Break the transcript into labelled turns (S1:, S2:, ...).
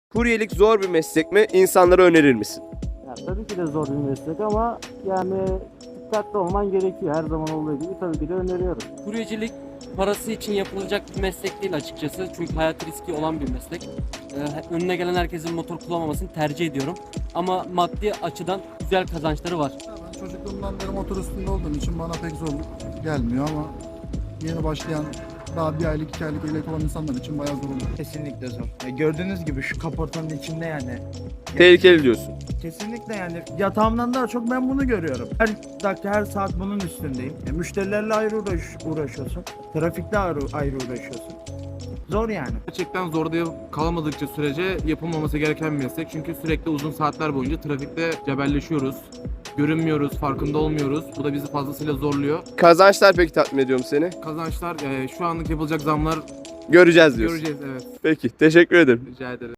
S1: Kuryelik zor bir meslek mi? İnsanlara önerir misin?
S2: Ya, tabii ki de zor bir meslek ama yani dikkatli olman gerekiyor. Her zaman olduğu gibi tabii ki de öneriyorum.
S3: Kuryecilik parası için yapılacak bir meslek değil açıkçası. Çünkü hayat riski olan bir meslek. Önüne gelen herkesin motor kullanmamasını tercih ediyorum. Ama maddi açıdan güzel kazançları var.
S4: Ben çocukluğumdan beri motor üstünde olduğum için bana pek zor gelmiyor ama yeni başlayan daha bir aylık, 2 aylık ehliyet olan insanlar için bayağı zor oluyor.
S5: Kesinlikle zor. Gördüğünüz gibi şu kaportanın içinde yani.
S1: Tehlikeli diyorsun.
S5: Kesinlikle yani yatağımdan daha çok ben bunu görüyorum. Her dakika her saat bunun üstündeyim. Müşterilerle ayrı uğraşıyorsun. Trafikte ayrı uğraşıyorsun. Zor yani.
S6: Gerçekten zorda kalmadıkça sürece yapılmaması gereken bir meslek. Çünkü sürekli uzun saatler boyunca trafikte cebelleşiyoruz. Görünmüyoruz, farkında olmuyoruz. Bu da bizi fazlasıyla zorluyor.
S1: Kazançlar peki tatmin ediyor mu seni?
S6: Kazançlar, şu anlık yapılacak zamlar
S1: Göreceğiz diyorsun.
S6: göreceğiz, evet.
S1: Peki, teşekkür ederim.
S6: Rica ederim.